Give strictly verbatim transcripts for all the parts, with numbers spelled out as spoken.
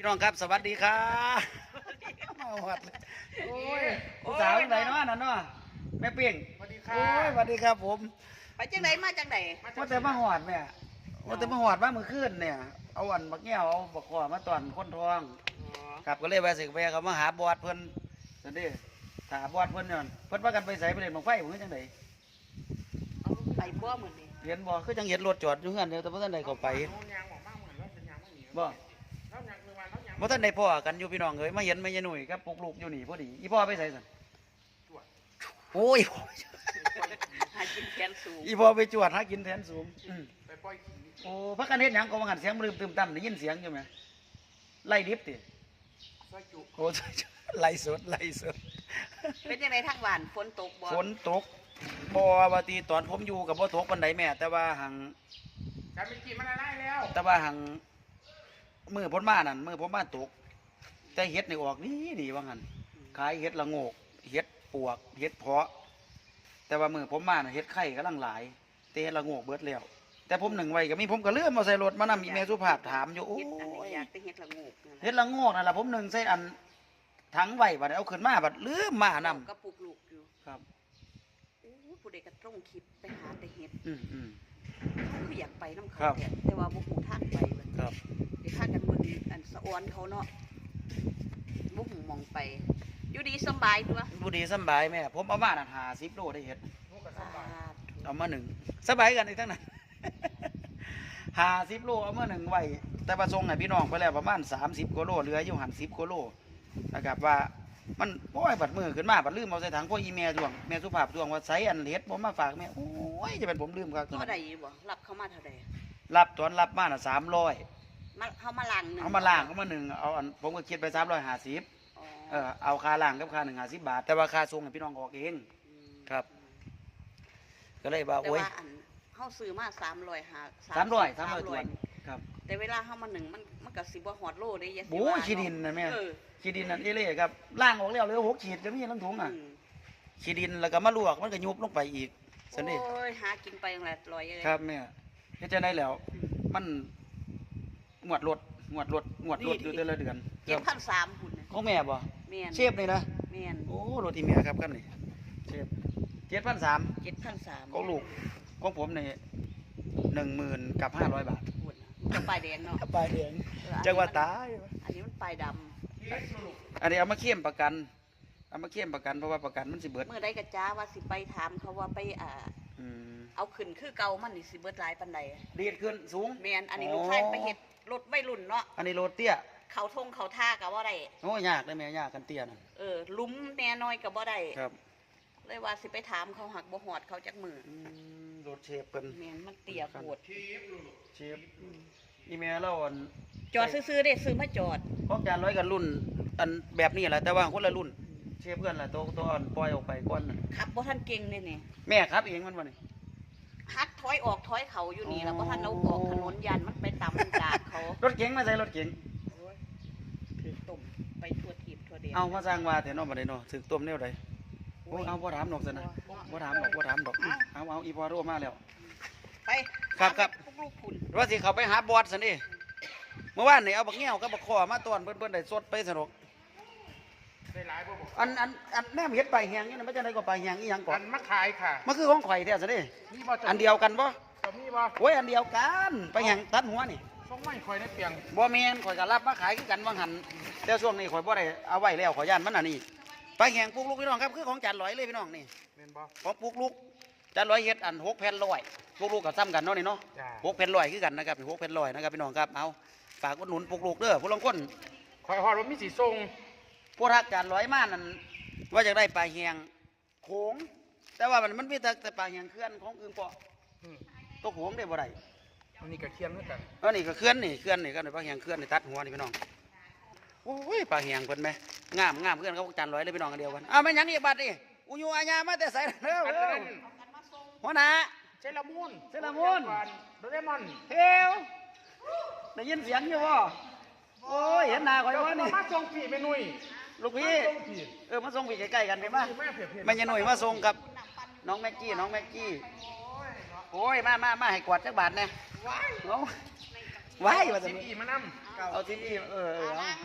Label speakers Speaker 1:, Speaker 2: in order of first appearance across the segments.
Speaker 1: น้องครับสวัสดีครับมาหอดเลยโอ้ยผู้สาวจังไหนเนาะนั่นเนาะแม่เปียงสวัสดีครับโอ้ยสวัสดีครับผม
Speaker 2: ไปจังไหนมาจังไหน
Speaker 1: มาแต่มาหอดแม่มาแต่มาหอดมาเมื่อคืนเนี่ยเอาอันบักแก้วเอาบักขวามาตอนคนทองครับก็เลยไปสึกไปเขามาหาบอดเพิ่นนั่นดิหาบอดเพิ่นเนี่ยเพิ่นว่ากันไปใส่ไปเล่นบังไฟผมจังไหน
Speaker 2: ไปบ่เหมือนนี่
Speaker 1: เห็นบ่คือจังเห็นรถจอดอยู่เฮือนเดียวแต่บ่ทันได้เข้าไปบ่บ่ทันได้พ่อกันอยู่พี่น้องเอ้ยมาเห็นแม่ยายหนุ่ยกับปลุกลูกอยู่นี่พอดีอีพ่อไปใส่ซั่นโอ้ย
Speaker 2: หากินแขนสูง
Speaker 1: อีพ่อไปจวดหากินแทนสูงไปปล่อยขี้โอ้พักกันเฮ็ดหยังก็ว่าหันเสียงลืมตึมตั้มได้ยินเสียงอยู่ไหมไล่ดิบติโอ้ไล่สดไล่สด
Speaker 2: เป็นจังไหนทางบ้านฝนตกบ่
Speaker 1: ฝนตกบ่ว่าตีตอนผมอยู่กับบ่ตกปานใดแม่แต่ว่าหัง
Speaker 3: การเป็นกี่มันได้แล้ว
Speaker 1: แต่ว่าหังมือผมมานั่นมือผมมาตกแต่เฮ็ดนี่ออกนี่ดีว่างั้นขายเฮ็ดละโงกเฮ็ดปวกเฮ็ดเพาะแต่ว่ามือผมมาน่ะเฮ็ดไข่กำลังหลายแต่เฮ็ดละโงกเบิดแล้วแต่ผมหนึ่งไว้ก็มีผมก็เลื่อมมาใส่รถมานำอีเมลสุภาพถามอยู่โอ้ย
Speaker 2: อยากไปเฮ็ดละโงก
Speaker 1: เฮ็ดละโงกนั่นล่ะผมหนึ่งใส่อันถังไว้บัดเอาขึ้นมาบัดลืมมานำ
Speaker 2: ก็ปลูกลูกอยู่
Speaker 1: ครับ
Speaker 2: โอ้ผู้ใดก็ต้องคิดไปหาแต่เฮ็ด
Speaker 1: อืมอืม
Speaker 2: เขาคืออยากไปนำเขาแต่ว่าบ่ฮู้ทางไปเบิด
Speaker 1: ครับ
Speaker 2: เดี๋ยวพากันเบิ่งอันสะออนเขาเนาะบ่ฮู้มองไปอยู่ดีสบายตัว
Speaker 1: อยู่ดีสบายแม่ผมเอามานั่นห้าสิบโลได้เฮ็ดเอามาหนึ่งสบายกันอีกทั้งนั้นห้าสิบโลเอามาหนึ่งไว้แต่ประสงค์ให้พี่น้องไปแล้วประมาณสามสิบกว่าโลเหลืออยู่หันสิบกว่าโลนะครับว่ามันโอ้ยบัดมือขึ้นมาบัดลืมเอาใส่ถังพวกอีเมลดวงแม่สุภาพดวงว่าใส่อันเฮ็ดผมมาฝากแม่โอ้ยจะเป็นผมลืมครับ
Speaker 2: เท่าใดบ่รับเขามาเท่าใด
Speaker 1: รับตอนรับมาน่ะสามร้อย
Speaker 2: มาเขามาล้างหนึ่ง
Speaker 1: เอามาล้างเขามาหนึ่งเอาอันผมก็คิดไปสามร้อยห้าสิบเออเอาค่าล้างกับค่าหนึ่งห้าสิบบาทแต่ว่าค่าส่งให้พี่น้องออกเองครับก็เลยว่าโอ้ย
Speaker 2: เขาซื้อมาสามร้อยห้า
Speaker 1: สามร้อยสามร้อยตัวครับ
Speaker 2: แต่เวลาเขามาหนึ่งมันมันกับสิบว่าหอดโลได้ยัง
Speaker 1: โอ้ยขี้ดินนะแม่ขี้ดินนั่นเอเล่ครับล่างออกแล้วเหลือหกขีดก็มีทั้งถุงอ่ะขี้ดินแล้วก็มาลวกมันก็ยุบลงไปอีกสันนี่
Speaker 2: โอ้ยหากินไปอย่างไรลอยเลย
Speaker 1: ครับแม่เฮ็ดจะได้แล้วมันงวดรถงวดรถงวดรถอยู่แต่ละเดือน
Speaker 2: เจ็ดพันสามหุ่น
Speaker 1: ของแม่บ่เชฟนี่นะ
Speaker 2: แม่น
Speaker 1: โอ้รถอีเมียครับกันนี่เชฟเจ็ดพันสาม
Speaker 2: เจ็ดพันสาม
Speaker 1: ของลูกของผมนี่หนึ่งหมื่นกับห้าร้อยบาท
Speaker 2: จะปลายแดงเนาะ
Speaker 1: ปลายแดงจังหวัดตาย
Speaker 2: อันนี้มันปลายด
Speaker 1: ำอันนี้เอามาเข้มประกันเอามาเข้มประกันเพราะว่าประกันมันสิเบิด
Speaker 2: เมื่อใดกระจ้าว่าสิไปถามเขาว่าไปอ่าเอาขึ้นคือเก่ามันนี่สิเบิดหลายปันใด
Speaker 1: ดีดขึ้นสูง
Speaker 2: แมนอันนี้ลูกชายไปเฮ็ดรถไม่รุ่นเนาะ
Speaker 1: อันนี้รถเตี้ย
Speaker 2: เขาทงเขาท่ากับว่าได้
Speaker 1: โอ้ยากเลยแม่ยากกันเตี้ยน่ะ
Speaker 2: เออลุ้มแน่น้อยกับว่าได้
Speaker 1: ครับ
Speaker 2: เลยว่าสิไปถามเขาหักบ่หอดเขาจักมือ
Speaker 1: รถเชฟเป็น
Speaker 2: แมนมันเตี้ยโคตร
Speaker 1: เชฟอีเมลเราอัน
Speaker 2: จอดซื้อๆได้ซื้อมาจอด
Speaker 1: ของจานร้อยกันรุ่นอันแบบนี้แหละแต่ว่าคนละรุ่นเชฟเพื่อนละตัวตัวอ่อนปล่อยออกไปก้อน
Speaker 2: ครับบ่ท่านเก่งเลยนี่
Speaker 1: แม่ครับเองมันวะนี่
Speaker 2: ฮัดถอยออกถอยเขาอยู่นี่แล้วบ่ท่านเอาออกถนนยันมันไปต่ำจากเขา
Speaker 1: รถเก๋งมาใส่รถเก๋ง
Speaker 2: ถือตุ่มไปทั่วทีบทั่วเดียว
Speaker 1: เอามาสร้างว่าแต่นอกมาได้เนาะถือตุ่มเนี่ยไดโอ้เอาพ่อถามดอกสินะพ่อถามดอกพ่อถามดอกเอาเอาอีพอโรมาแล้ว
Speaker 2: ไป
Speaker 1: ครับครับว่าสิเขาไปหาบอสสินี่เมื่อวานนี่เอาบักเงี้ยวกับบักคอมาต้อนเพิ่นๆได้สดไปสนุกอันอันอันแม่เห็ดปลาแหงนี่นะไม่ใช่ไหนก็ปลาแหงอีหยังก่อน
Speaker 3: มะขายค่ะ
Speaker 1: มันคือของข่อยแท้สิอันเดียวกันบ่
Speaker 3: มีบ่
Speaker 1: โอ้ยอันเดียวกันปลาแหงตัดหัวนี่
Speaker 3: ส่งไม่ข่อยในเปียง
Speaker 1: บ่แม่นข่อยก็รับมาขายคือกันว่าหันแต่ช่วงนี้ข่อยบ่ได้เอาไว้แล้วข่อยย่านมันอันนี้ปลาแหงปลูกลูกพี่น้องครับคือของจานลอยเลยพี่น้องนี่
Speaker 3: แม่นบ่
Speaker 1: ของปลูกลูกจานลอยเฮ็ดอันหกแผ่นร้อยปลูกลูกก็ซ้ำกันเนาะนี่เนาะหกแผ่นร้อยคือกันนะครับหกแผ่นร้อยนะครับพี่น้องครับเอาฝากอุดหนุนปลูกลูกเด้อผู้ลางคน
Speaker 3: ข่อยฮอดว่ามีสีทรง
Speaker 1: พวกทักจานลอยมานั่นว่าจะได้ปลาแหงโขงแต่ว่ามันมันมีแต่ปลาแหงเคลื่อนของอื่นเปาะตัวโขงได้บ่ได้
Speaker 3: อันนี้ก็เคียนเหมือนกัน
Speaker 1: อันนี้ก็เคลื่อนนี่เคลื่อนนี่ก็ปลาแหงเคลื่อนนี่ตัดหัวนี่พี่น้องโอ้ยปลาแหงเพิ่นไหมงามงามเพื่อนเขาจานลอยเลยพี่น้องกันเดียวกันอ้าวไม่ยังอีกบัดนี่อุยูอาญามาแต่ใส่เด้อหัวหน้า
Speaker 3: เซรามูน
Speaker 1: เซรามูน
Speaker 3: โดเรมอน
Speaker 1: เฮลได้ยินเสียงอยู่บ่โอ้ยเห็นหน้าข่อยว่านี่
Speaker 3: มาส่งผีไปหนุ่ย
Speaker 1: ลูกพี่เออมาส่งพี่ใกล้ๆกันไปมั้ยแม่ยายหนุ่ยมาส่งกับน้องแม็กกี้น้องแม็กกี้โอ้ยมามามาให้กวาดจักบาทแน่ว้ายว้ายว่าจะ
Speaker 3: มีมานำ
Speaker 1: เอาที่นี่เออเออ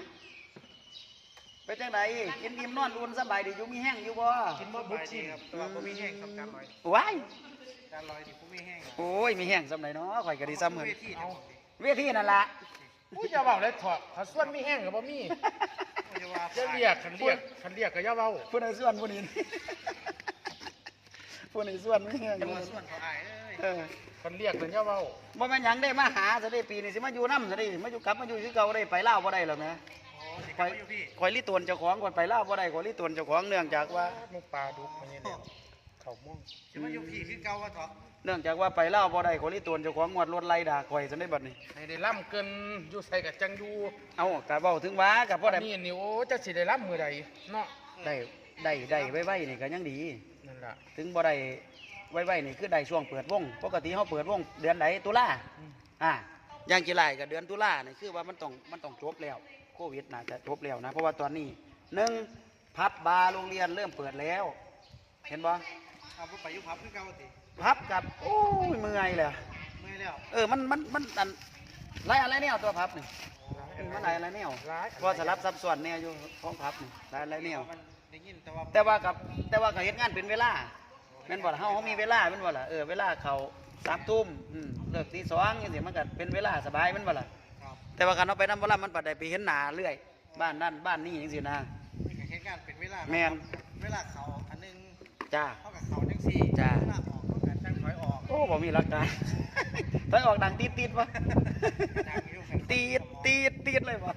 Speaker 1: ไปจังไดกินอิ่มนอนอุ่นสบายดีอยู่มีแห้งอยู่บ่
Speaker 3: กินบ่บุกชินครับแต่ว่าบ่มีแห้งครับการลอย
Speaker 1: ว้าย
Speaker 3: การลอยนี่บ่มีแห้ง
Speaker 1: โอ้ยมีแห้งซำไหนเนาะข่อยก็ดีซ้ำเหมือน
Speaker 3: เอา
Speaker 1: เวทีนั่นล่ะ
Speaker 3: ผู้จะเว้าเลยถอดเขาส่วนมีแห้งก็บ่มีจะเรียกคันเรียกคันเรียกก็อย่าเว้า
Speaker 1: ผู้ใดส่วนผู้นี้ผู้นี้ส่วนมีแห้ง
Speaker 3: จะมาส่วนเขาอายเลย
Speaker 1: เออ
Speaker 3: คันเรียกก็อย่าเว้า
Speaker 1: บ่แม่นหยังได้มาหาซะได้ปีนี้สิมาอยู่นำซะได้มาอยู่กลับมาอยู่คือเก่าได้ไปลาวบ่ได้หรอกนะ
Speaker 3: อ๋อสิกลับมาอยู่พี่
Speaker 1: ข่อยลิตวนเจ้าของก่อนไปลาวบ่ได้ข่อยลิตวนเจ้าของเนื่องจากว่า
Speaker 3: มุกปลาดุกมันนี่แหละเขาม่วง
Speaker 4: จะมาอยู่พี่คือเก่าว่าเถอะ
Speaker 1: เนื่องจากว่าไปลาวบ่ได้ข่อยลิตวนเจ้าของงวดรถไล่ด่าข่อยซะได้บัดนี้
Speaker 3: ให้ได้ล่ำเกินอยู่ใส่กับจังอยู่
Speaker 1: เอาก็เว้าถึงว่าก็บ่ได้
Speaker 3: นี่นี่โอ้จะสิได้ล่ำมือใดเนาะ
Speaker 1: ได้ได้ได้ไว้ๆนี่ก็ยังดี
Speaker 3: นั่นล่ะ
Speaker 1: ถึงบ่ได้ไว้ๆนี่คือได้ช่วงเปิดวงปกติเฮาเปิดวงเดือนไหนตุลา
Speaker 3: อืม
Speaker 1: อ่าอย่างกี่ไรก็เดือนตุลานี่คือว่ามันต้องมันต้องจบแล้วโควิดน่าจะจบแล้วนะเพราะว่าตอนนี้หนึ่งพับบาร์โรงเรียนเริ่มเปิดแล้ว เห็นบ่
Speaker 4: เอาไปอยู่พับคือเก่าติ
Speaker 1: พับกับโอ้ยเมื่อยเลย
Speaker 4: เมื่อยแล้ว
Speaker 1: เออมันมันมันอันไรอะไรแนวตัวพับนี่อืมมันไรอะไรแนว
Speaker 3: ร้าย
Speaker 1: เพราะสลับซับซ้อนแนวอยู่ของพับนี่ไรอะไรแนว
Speaker 4: มันได้ยินแต่ว่า
Speaker 1: แต่ว่ากับแต่ว่าเขาเฮ็ดงานเป็นเวลาแม่นบ่ล่ะเฮาเฮามีเวลาแม่นบ่ล่ะเออเวลาเขาสามทุ่มอืมเลิกตีสองจังซี่มันก็เป็นเวลาสบายแม่นบ่ล่ะ
Speaker 4: ครับ
Speaker 1: แต่ว่าการเอาไปนำบ่ล่ะมันปัดได้ไปเห็นหน้าเรื่อยบ้านนั่นบ้านนี้จังซี่นะ
Speaker 4: มีการเหตุการณ์เป็นเวลา
Speaker 1: แม่น
Speaker 4: เวลาเขาอันหนึง
Speaker 1: จ้า
Speaker 4: เท่ากับเขาจังสี่
Speaker 1: จ้า
Speaker 4: เวลาออกเท่ากับจังถอยออก
Speaker 1: โอ้บ่มีหลักการ ถอยออกดังตีดตีดวะ
Speaker 4: ดังอยู่ครับ
Speaker 1: ตีดตีดตีดเลยวะ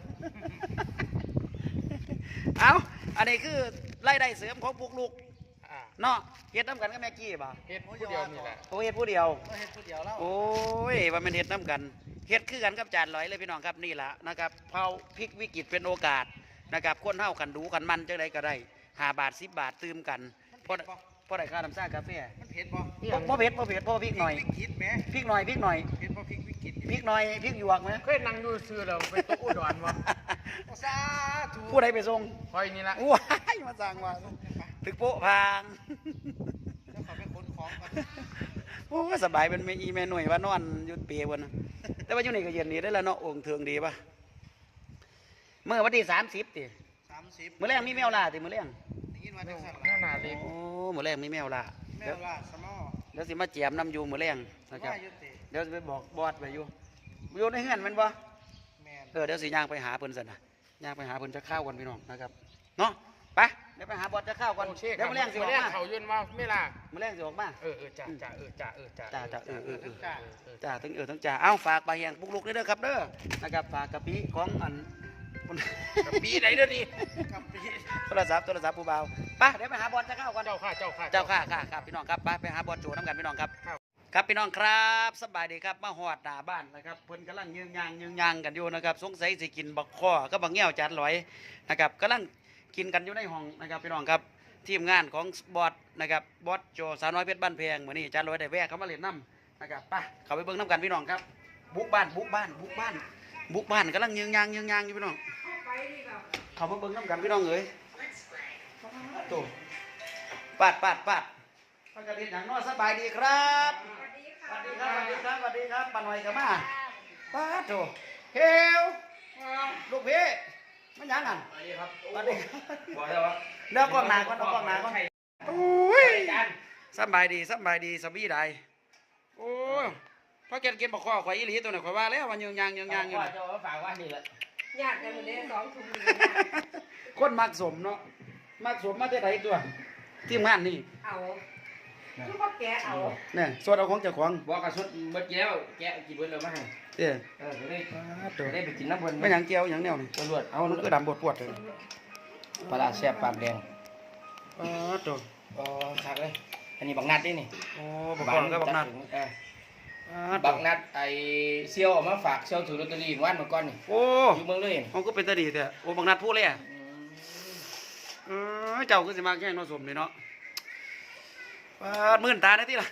Speaker 1: เอาอันนี้คือรายได้เสริมของพวกลูก
Speaker 3: อ่า
Speaker 1: เนาะเฮ็ดน้ำกันกับแม่กี้ป่ะ
Speaker 3: เฮ็ดผู้เดียวนี่แหละ
Speaker 1: โอ้เฮ็ดผู้เดียว
Speaker 4: ก็เฮ็ดผู้เดียวแล้ว
Speaker 1: โอ้ยว่ามันเฮ็ดน้ำกันเฮ็ดคือกันกับจานลอยเลยพี่น้องครับนี่ล่ะนะครับเผาพลิกวิกฤตเป็นโอกาสนะครับคนเฮากันดูกันมันจังไดก็ได้ห้าบาทสิบบาทตื่มกันเพราะเพราะได้ค่าน้ำซ่ากาแฟ
Speaker 4: มันเผ็ดบ่
Speaker 1: บ่บ่เผ็ดบ่เผ็ดเพราะว่าพริกหน่อย
Speaker 4: วิกฤตแหม
Speaker 1: พริกหน่อยพริกหน่อย
Speaker 4: เผ็ดบ่พริกวิกฤต
Speaker 1: พริกหน่อยพริกหยวกไหม
Speaker 3: เคยนั่งอยู่ซื้อแล้วไปตกอุดรวะ
Speaker 4: โอ้สาธุ
Speaker 1: ผู้ใดไปส่ง
Speaker 3: คอยนี่ละ
Speaker 1: ว้ายมาสั่งว่าถึกโป๊ะพาง
Speaker 4: แล้วขอไปขนของก่อน
Speaker 1: โอ้สบายเป็นแม่อีแม่หน่วยว่านอนอยุดเปียบนนะแต่ว่าอยู่นี่ก็เย็นดีได้แล้วเนาะองค์เทืองดีป่ะเมื่อวันที่สามสิบติ
Speaker 4: สามสิบ
Speaker 1: เมื่อแรงมีแมวล่าติเมื่อแรง
Speaker 4: ได้ยินว่าจังสั่น
Speaker 3: หน้า
Speaker 4: ล่ะ
Speaker 3: หนาเล็ก
Speaker 1: โอ้เมื่อแรงมีแมวล่า
Speaker 4: แม่
Speaker 1: เดี๋ยว
Speaker 4: ว่าสมอ
Speaker 1: เดี๋ยวสิมาเจียมน้ำอยู่เมื่อแรงนะครับ
Speaker 4: ว่าอยู่ติ
Speaker 1: เดี๋ยวสิไปบอกบอสไปอยู่อยู่ในเฮือนแมันบ่
Speaker 4: แม่น
Speaker 1: เออเดี๋ยวสิย่างไปหาเพิ่นสันนะย่างไปหาเพิ่นจะข้าวกันพี่น้องนะครับเนาะไปเดี๋ยวไปหาบอสจะข้าวก่อน
Speaker 3: โอเคค
Speaker 1: เดี๋ย
Speaker 3: รั
Speaker 1: ว
Speaker 3: บ
Speaker 1: เมื่อแรงสิออก
Speaker 3: แรง
Speaker 1: มา
Speaker 3: เขายืนมาไม่ล่ะ
Speaker 1: เมื่อแรงสิออกมา
Speaker 3: เออเออจ่าจ่าเออจ่าเออจ่า
Speaker 1: จ่าจ่าเออเออเออ
Speaker 4: จ้า
Speaker 1: จ้าทั้งเออทั้งจ่าเอ้าฝากปลาแหงปุกลุกด้วยเด้อครับเด้อนะครับฝากกะปิของอัน
Speaker 3: กับปีไหนเด้อนี่
Speaker 4: กับพี่
Speaker 1: โทรศัพท์โทรศัพท์ผู้เบาไปเดี๋ยวไปหาบอลจะเข้าก่อน
Speaker 3: เจ้าข้าเจ้าข้า
Speaker 1: เจ้าค่ะค่ะครับพี่น้องครับไปไปหาบอลโจน้ำกันพี่น้องครับ
Speaker 3: ครับ
Speaker 1: ครับพี่น้องครับสบายดีครับมาหอดหน้าบ้านนะครับเพิ่นกำลังยืงยางยืงยางกันอยู่นะครับสงสัยสิกินบักข้อก็บักเงี้ยวจัดลอยนะครับกำลังกินกันอยู่ในห้องนะครับพี่น้องครับทีมงานของบอสนะครับบอสโจสาวน้อยเพชรบ้านแพงเหมือนนี่จัดลอยได้แวะเขามาเล่นน้ำนะครับไปเข้าไปเบิ่งน้ำกันพี่น้องครับบุกบ้านบุกบ้านบุกบ้านบุกบ้านกำลังยืงยางยืงยางอยู่พี่น้องเขามาเบิ่งน้ำกันพี่น้องเอ้ยโตปาดปาดปาดพักกระดิ่งหนังนอสบายดีครับสวัสดีครับสวัสดีครับสวัสดีครับปาหน่อยกับมาปาดโตเฮลลูกพี่มันยังกันสวัสดีครับสวัสดีครับบอกแล้วว่าเดี๋ยวกล้องหนาก่อนเอากล้องหนาก่อนโอ้ยสบายดีสบายดีสบีได้โอ้ยพอแกกินบักข้อข่อยอีหลีตัวไหนข่อยว่าแล้ววันยืงยางยืงยางอยู่
Speaker 5: ว่า
Speaker 1: น่ะ
Speaker 5: จะฝากว่านี่แหละ
Speaker 2: ยากกันหมดเลยสองถุง
Speaker 1: คนมักสมเนาะมักสมมาแต่ไหนตัวทีมงานนี่
Speaker 2: เอาคือพ่อแกเอา
Speaker 1: เนี่ยส่วนเอาของเจ้าของ
Speaker 5: บอกกระสุนเบิดแล้วแกะกินเบิดแล้วมาให้
Speaker 1: เด้อ
Speaker 5: เออจะได้
Speaker 1: ปาดโต
Speaker 5: จะได้ไปกินน้ำเบิด
Speaker 1: ไม่หยังเกี่ยวหยังแนวนี่
Speaker 5: ตำรวจ
Speaker 1: เอามันก็ดำปวดปวดเลย
Speaker 5: ปลาร้าแซ่บปากแดง
Speaker 1: ปาดโต
Speaker 5: อ๋อคักเลยอันนี้บักนัดนี่นี่
Speaker 1: โอ้บักข้อก็บักนัด
Speaker 5: เออ
Speaker 1: ปาดโต
Speaker 5: บักนัดไอเซี่ยวเออกมาฝากเซี่ยวถือลอตเตอรี่วันเมื่อก่อนนี่
Speaker 1: โอ้
Speaker 5: อยู่เมืองเลย
Speaker 1: มันก็เป็นตาดีแต่โอ้บักนัดพูดเลยอ่ะ
Speaker 5: อืม
Speaker 1: เออเจ้าก็สิมาแข่งเน้องสมนี่เนาะปาดมื่นตาได้ที่ล่ะ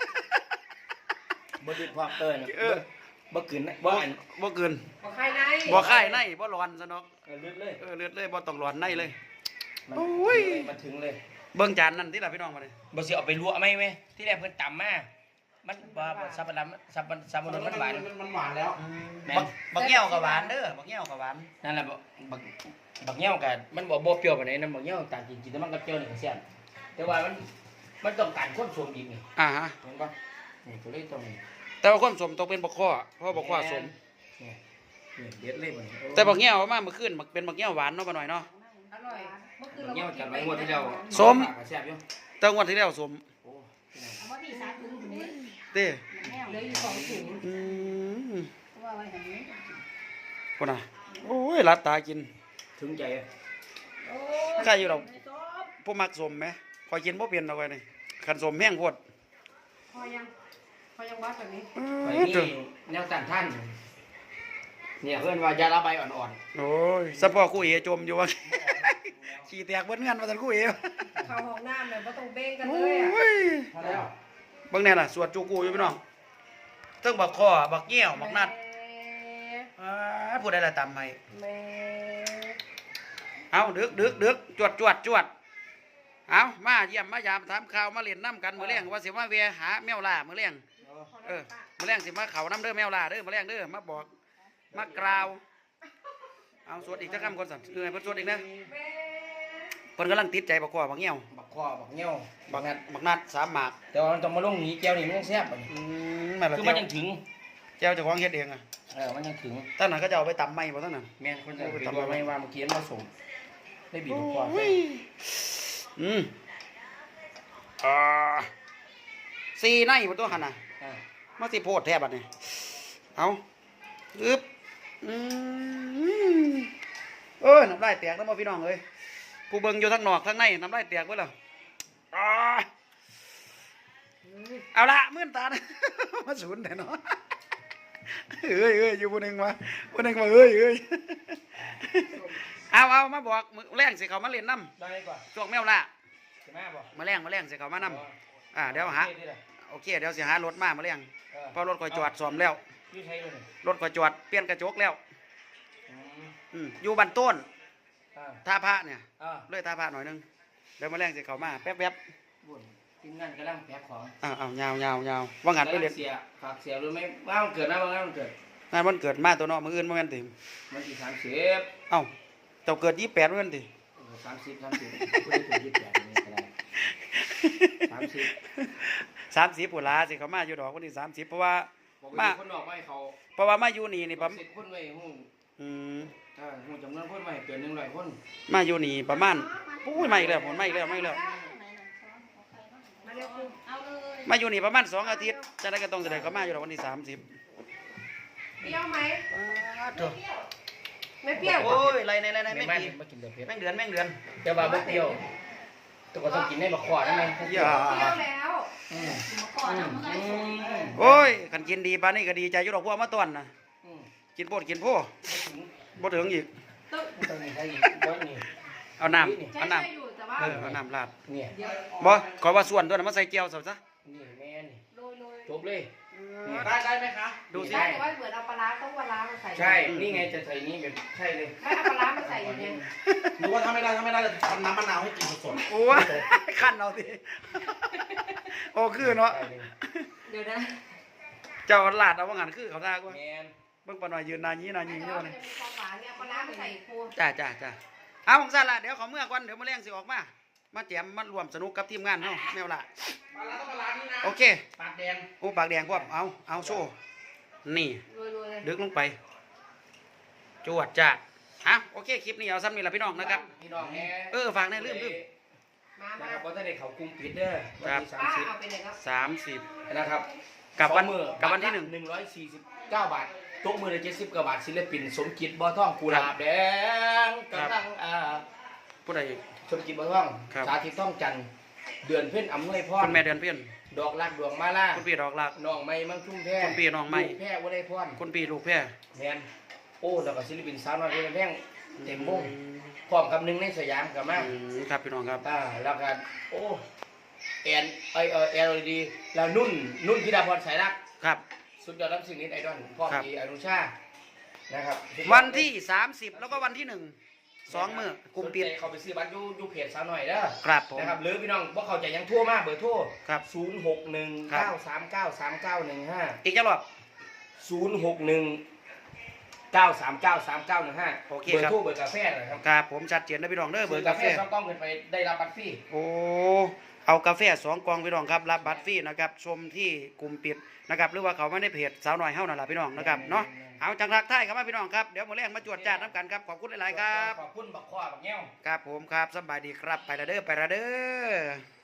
Speaker 5: บ่ดึกความเอิ้น
Speaker 1: เออ
Speaker 5: บ่กลืนนะบ่อัน
Speaker 1: บ่เกิน
Speaker 2: บ่ใครใน
Speaker 1: บ่ค่ายในบ่ร้อนซะเนาะ
Speaker 5: เออเลือดเลย
Speaker 1: เออเลือดเลยบ่ต้องร้อนในเลย
Speaker 5: มัน
Speaker 1: โอ้ย
Speaker 5: มันถึงเลย
Speaker 1: เบิ่งจานนั่นที่ล่ะพี่น้องมาเลย
Speaker 5: บ่สิเอาไปลวกไหมไหมที่แรกเพิ่นตำมามันบ่บ่สับปะรดสับปะสับปะรดมันหวาน
Speaker 3: มันหวานแล้ว
Speaker 5: แม่
Speaker 1: บั
Speaker 5: น
Speaker 1: กบักเงี้ยวกับหวานเด้อบักเงี้ยวกับหวาน
Speaker 5: นั่นแหละบ่บักบักเงี้ยวกันมันบ่บ่เปรี้ยวปานใดนะบักเงี้ยวต่างกินกินแต่มันก็เปรี้ยวนี่ก็แซ่บแต่ว่ามันมันต้องการความสมอีกนี่
Speaker 1: อ่าฮะ
Speaker 5: เห็นบ่นี่ก็เลยต้อง
Speaker 1: แต่ว่าความสมต้องเป็นบักข้อเพราะบักข้อสม
Speaker 5: นี่นี่เด็ดเลยบ่นี่
Speaker 1: แต่บักเงี้ยวมาเมื่อคืนบักเป็นบักเงี้ยวหวานเนาะบ่หน่อยเนาะ
Speaker 2: อร่อยเมื่อคืน
Speaker 5: บัก
Speaker 2: เรา
Speaker 5: เงี้ยว
Speaker 2: ก็กิ
Speaker 5: จัด
Speaker 2: น
Speaker 5: ไว้งวดที่แล้ว
Speaker 1: สม
Speaker 5: ก็แซ่บอยู่
Speaker 1: แต่งวดที่แล้วสม
Speaker 5: โอ้
Speaker 2: เอามาพี่สาถึงนี้
Speaker 1: เด้
Speaker 2: เหลืออยู่สองถุง
Speaker 1: อืม
Speaker 2: เพราะว่าไว้อย่างนี้
Speaker 1: พุ่นน่ะโอ้ยลัดตากิน
Speaker 5: ถึงใจอะ
Speaker 2: โอ้
Speaker 1: ใครอยู่ดอกผู้มักสมไหมคอยกินบ่เปลี่ยนดอกไว้นี่คันสมแห้งโพด
Speaker 2: พอยังพอยังวัดแบบนี้
Speaker 5: ไป
Speaker 1: เอ้ย
Speaker 5: นี่
Speaker 1: เด้อ
Speaker 5: แนวต้านท่านเนี่ยเพิ่นว่ายาระบายอ่อน
Speaker 1: โอ้ยสะพอคู่เอจมอยู่ว่า ขี้แตกเบิ้เงินมาสันคู่เอ
Speaker 6: เข้าห้องน้ำเนี่ยบ่ต้องเบ่งกัน
Speaker 1: โอ
Speaker 6: เลยอ่ะ
Speaker 1: ้ย
Speaker 5: ๆพอแล้ว
Speaker 1: เบิ่งแน่ล่ะสวดจูกูอยู่พี่น้องเทั้งบักคอบักเงี้ยวบักนัดอ้าผู้ใดละตำให้
Speaker 6: แม่
Speaker 1: เอาดึกดึกดึกจวดจวดจวดเอามาเยี่ยมมายามถามข่าวมาเล่นน้ำกันมื้อแรงว่าสิมาเวะหาแมวล่ามื้อแรงเออมื้อแรงสิมาเขาน้ำเด้อแมวล่าเด้อมื้อแรงเด้อมาบอกมากล่าวเอาสวดอีกจักคำก่อนสั่นเออให้เพิ่นสวดอีกนะเพิ่นกำลังติดใจบักคอบักเงี้ยว
Speaker 5: บักคอบักเงี้ยว
Speaker 1: บั
Speaker 5: บั
Speaker 1: ก
Speaker 5: กนัด
Speaker 1: บักนัดสามหมาก
Speaker 5: แต่ว่ามันต้องมาลงหนีแก้วนี่มันยังแซ่บบัดนี้
Speaker 1: อืมนั่นล่ะ
Speaker 5: คือ
Speaker 1: เจ้า
Speaker 5: มันยังถึง
Speaker 1: เจ้าเจ้าของเฮ็ดเองอ่ะ
Speaker 5: เออมันยังถึง
Speaker 1: ตั้งนั้นก็จะเอาไปตำไหมบ่ตั้งนั้น
Speaker 5: แม่นคนจะไปตัวไม่ว่าเมื่อกี้มันมาส่งได้บีบบักคอ
Speaker 1: โอ้ยอืมอ่าสี่ในบ่ตัวหั่นน่ะ
Speaker 5: อ่า
Speaker 1: มาสิโพดแท้บัดนี้เอาอึบอืมเอ้ยน้ำลายแตกแล้วบ่พี่น้องเอ้ยผู้เบิ่งอยู่ทั้งนอกทั้งในน้ำลายแตกเบิดแล้วอ่าเอาละมื่นตานะ มาสูนแต่เนาะเอ้ยเอ้ยอยู่ผู้หนึงมาผู้หนึงมาเอ้ยเอ้ยเอาเอามาบอกมื้อแรงสิเขามาเล่นน้ำ
Speaker 5: ได้ก่อน
Speaker 1: ช่วงแมวล่ะ
Speaker 5: ใช่ไหมบ่
Speaker 1: มาแรงมาแรงสิเขามานำอ่าเดี๋ยวหา
Speaker 5: โอเคดีล่ะ
Speaker 1: โอเคเดี๋ยวสิหารถมามาแรง
Speaker 5: เออ
Speaker 1: เพราะรถคอยจอดซ่อมแล้ว
Speaker 5: อยู่ใช้เลยนี่
Speaker 1: รถคอยจอดเปลี่ยนกระจกแล้ว
Speaker 5: อืม
Speaker 1: อืมอยู่บันต้น
Speaker 5: อ่า
Speaker 1: ท่าพระเนี่ย
Speaker 5: อ่า
Speaker 1: เลยท่าพระหน่อยหนึงเดี๋ยวมาแรงสิเขามาแป๊บแป๊บ
Speaker 5: บุญทีมงานกำลังแพ็คของ
Speaker 1: อ้าวอ้าวยาวยาวยาวว่างันไปเรียน
Speaker 5: เสียฝากเสียรู้ไหมว่ามันเกิดนะว่างานมันเกิด
Speaker 1: งานวันเกิดมาตัวเนาะมื้ออื่นบ่แม่นติ
Speaker 5: มันที่สามสิบ
Speaker 1: เอ้าเจ้าเกิดยี่สิบแปดบ่แม่นติ
Speaker 5: สามสิบสามสิบผู้ที่เกิดยี่สิบแปดนี่ก็ได้สามสิบ
Speaker 1: สามสิบพุ่นล่ะสิเขามาอยู่ดอกวันที่สามสิบเพราะว่า
Speaker 5: บอก
Speaker 1: มา
Speaker 5: ว่าคนออกไว้เขา
Speaker 1: เพราะว่ามาอยู่นี่นี่ผม
Speaker 5: สิบคนไว้หู
Speaker 1: อืม
Speaker 5: อ่าหูจำนวนคนไว้เกินหนึ่งร้อยคน
Speaker 1: มาอยู่นี่ประมาณปุ้ยมาอีกแล้วผมมาอีกแล้วมาอีกแล้ว
Speaker 6: มาเร็วคุณ
Speaker 2: เอาเลย
Speaker 1: มาอยู่นี่ประมาณสองอาทิตย์จะได้ก็ต้องแสดงเขามาอยู่ดอกวันที่สามสิบ
Speaker 6: เปรี้ยวไหม
Speaker 1: ถูก
Speaker 6: ไม่เปรี้ยว
Speaker 1: โอ้ยไรในไรใน
Speaker 5: ไม่
Speaker 1: แม่ง
Speaker 5: มา
Speaker 1: กี่
Speaker 5: มากินเดือดเผ็ด
Speaker 1: แม่งเดือนแม่งเดือน
Speaker 5: แต่ว่าบ่เปรี้ยวแตัวก็ต้องกินในบักขวดนั่นเอง
Speaker 1: อย่า
Speaker 6: เปรี้ยวแล้ว
Speaker 5: อืม
Speaker 2: ก่อนนะมันก็ได้สูง
Speaker 1: โอ้ยขันกินดีปานนี้ก็ดีใจอยู่ดอกพวกมาต้อนนะ
Speaker 5: อืม
Speaker 1: กินโพดกินโพ่บ่ถึงอีก
Speaker 6: ตึ๊บ
Speaker 5: ต้องมีใครอีกบ่นี่
Speaker 1: เอาน้ำ
Speaker 6: ใช้
Speaker 1: เอาน้
Speaker 6: ใช้อยู่แต่ว่า
Speaker 1: ำเออเอาน้ำราด
Speaker 5: เนี่ย
Speaker 6: เดี๋ยว
Speaker 1: บ่ขอว่าส่วนตัวนั้นมาใส่เจียวซะซะ
Speaker 5: นี่แม่นี่
Speaker 6: โรยโรย
Speaker 5: จบเลย
Speaker 3: ได้ได้ไหมคะ
Speaker 1: ดูสิ
Speaker 6: ใช่แต่ว่าเหมือนเอาปลาร้าต้องปลาร้ามาใส่
Speaker 5: ใช่ นี่ไงจะใส่นี่แบบใช่เลย
Speaker 6: ไม่เอาปลาร้ามาใส่อย่างเงี้ย
Speaker 3: หรือว่าถ้าไม่ได้ถ้าไม่ได้จะทำน้ำมะนาวให้กินสด
Speaker 1: โอ้ยขั้นเอาสิโอ้คือเนาะ
Speaker 5: ใช่เลย
Speaker 6: เดี๋ยวนะ
Speaker 1: เจ้าลาดเอาว่างั้นคือเขาท่ากว่า
Speaker 5: แมน
Speaker 1: เบิ่งปาหน่อยยืนนายีนายี
Speaker 6: ไม่
Speaker 1: อยู่
Speaker 6: เอา
Speaker 1: นี่
Speaker 6: จะเป็นความหวานเนี่ยปลาร้ามาใส่ครู
Speaker 1: จ้าจ้าจ้าเอาของซั่นล่ะเดี๋ยวขอเมื่อก่อนเดี๋ยวมื้อแรงสิออกมามาแจมมารวมสนุกกับทีมงานเฮาแมวล่ะ
Speaker 3: ๆปลาร้าต้องปลาร้านี่นะ
Speaker 1: โอเค
Speaker 3: ปากแดง
Speaker 1: โอ้ปากแดงพวกเอาเอาโซ่นี่
Speaker 6: โรยโรยเลย
Speaker 1: ดึกลงไปจวดจ้าอ่ะโอเคคลิปนี้เอาซ้ำนี่ละพี่น้องนะครับ
Speaker 5: พี่น้องแม่
Speaker 1: เออฝากแน่ลืมลืม
Speaker 6: มา
Speaker 5: นะ
Speaker 6: มา
Speaker 5: ครับเพราะถ้าได้เขากรุงปิดเด้อวันที่สาม
Speaker 6: ป้า
Speaker 5: สิบ
Speaker 6: เอาไปเลยครับ
Speaker 1: สามสิบ
Speaker 5: นะครับ
Speaker 1: กับวัน
Speaker 5: สองมื้อ
Speaker 1: กับวันที่หนึ่ง
Speaker 5: หนึ่งร้อยสี่สิบเก้าบาทตกมือละเจ็ดสิบกว่าบาทศิลปินสมจิตบ่อทองกุหลาบแดง
Speaker 1: ครับ
Speaker 5: กำลังอ่า
Speaker 1: ผู้ใดอีก
Speaker 5: สมจิตบ่อทอง
Speaker 1: ครับ
Speaker 5: สาธิตท่องจันทร์เดือนเพ่นอำนวยพร
Speaker 1: คุณแม่เดือนเพี้ยน
Speaker 5: ดอกรักดวงมาล่า
Speaker 1: คุณพี่ดอกหลัก
Speaker 5: น้องไม้มังชุ่มแพร่
Speaker 1: คุณพี่น้องไม้
Speaker 5: ลูกแพร่วลัยพร
Speaker 1: คุณพี่ลูกแพร่
Speaker 5: แมนโอ้แล้วก็ศิลปินสาวน้อยเพชรแพงเต็มวงพร้อมกับหนึ่งในสยามกับมา
Speaker 1: อืมครับพี่น้องครับ
Speaker 5: อ่าแล้วก็โอ้แอนไอเออแอนดีแล้วนุ่นนุ่นธิดาพรสายรัก
Speaker 1: ครับ
Speaker 5: สุดยอดรับสิ่งนี้ไอดอลพ่อ
Speaker 1: ครับ
Speaker 5: มีอนุชานะครับ
Speaker 1: วันที่สามสิบแล้วก็วันที่หนึ่งสองมื้อกลุ่มปิด
Speaker 5: สนใจเขาไปซื้อบัตรอยู่อยู่เพจสาวหน่อยเด้อ
Speaker 1: ครับผม
Speaker 5: นะครับหรือพี่น้องบ่เข้าใจยังโทั่วมาเบอร์โทร
Speaker 1: ครับ
Speaker 5: ศูนย์หกหนึ่ง
Speaker 1: ครับ
Speaker 5: เก้าสามเก้าสามเก้าหนึ่งห้า
Speaker 1: อีกจังรอบ
Speaker 5: ศูนย์หกหนึ่งเก้าสามเก้าสามเก้าหนึ่งห้า
Speaker 1: โอเค
Speaker 5: เบอ
Speaker 1: ครับ
Speaker 5: ร์โทรเบอร์กาแฟนะครับ
Speaker 1: ครับผมชัดเจนนะพี่น้องเด้อเบอร์กาแฟ
Speaker 5: สองกล้องขึ้นไปได้รับบัตรฟรี
Speaker 1: โอ้เอากาแฟสองกล่องพี่น้องครับรับบัตรฟรีนะครับชมที่กลุ่มปิดนะครับหรือว่าเขาไม่ได้เพจสาวน้อยเฮานั่นล่ะพี่น้องนะครับเนาะเอาจังรักไทยครับมาพี่น้องครับเดี๋ยวมื้อแรงมาจวดจาดน้ำกันครับขอบคุณหลายๆครับ
Speaker 5: ขอบคุณบักข้อบักแง้ว
Speaker 1: ครับผมครับสบายดีครับไปละเด้อไปละเด้อ